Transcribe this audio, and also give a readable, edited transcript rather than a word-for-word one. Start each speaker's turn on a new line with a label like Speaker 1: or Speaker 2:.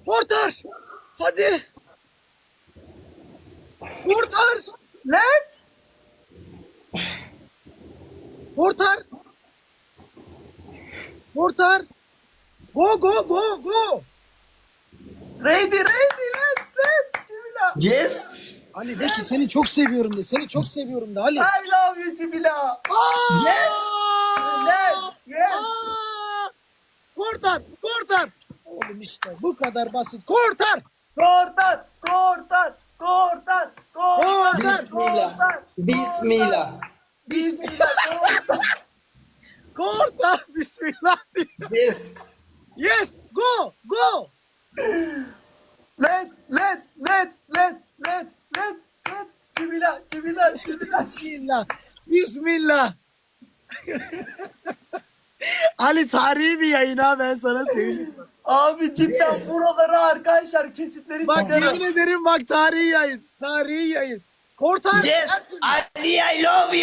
Speaker 1: Kurtar. Hadi. Kurtar.
Speaker 2: Let's.
Speaker 1: Kurtar. Kurtar. Go go go go.
Speaker 2: Ready. Let's. Cibila.
Speaker 3: Yes.
Speaker 1: Ali de ki seni çok seviyorum de. Seni çok seviyorum de Ali.
Speaker 2: I love you Cibila.
Speaker 3: Yes.
Speaker 2: Let's. Yes.
Speaker 1: Aa! Kurtar. Kurtar. Oğlum işte bu kadar basit. Kurtar.
Speaker 2: Kurtar.
Speaker 1: Kurtar.
Speaker 3: Bismillah. Bismillah.
Speaker 2: Bismillah. Kurtar.
Speaker 1: Kurtar. Bismillah.
Speaker 3: Yes.
Speaker 1: Yes. Go. Go.
Speaker 2: Let's. Cibila.
Speaker 1: Bismillah. Bismillah. Ali tarihi bir yayın ha, ben sana söyleyeyim.
Speaker 2: Abi cidden buraları arkadaşlar kesitleri
Speaker 1: Bak
Speaker 2: çıkarın.
Speaker 1: yemin ederim, bak tarihi yayın. Tarihi yayın. Kurtar.
Speaker 3: Yes. Ali, I love you.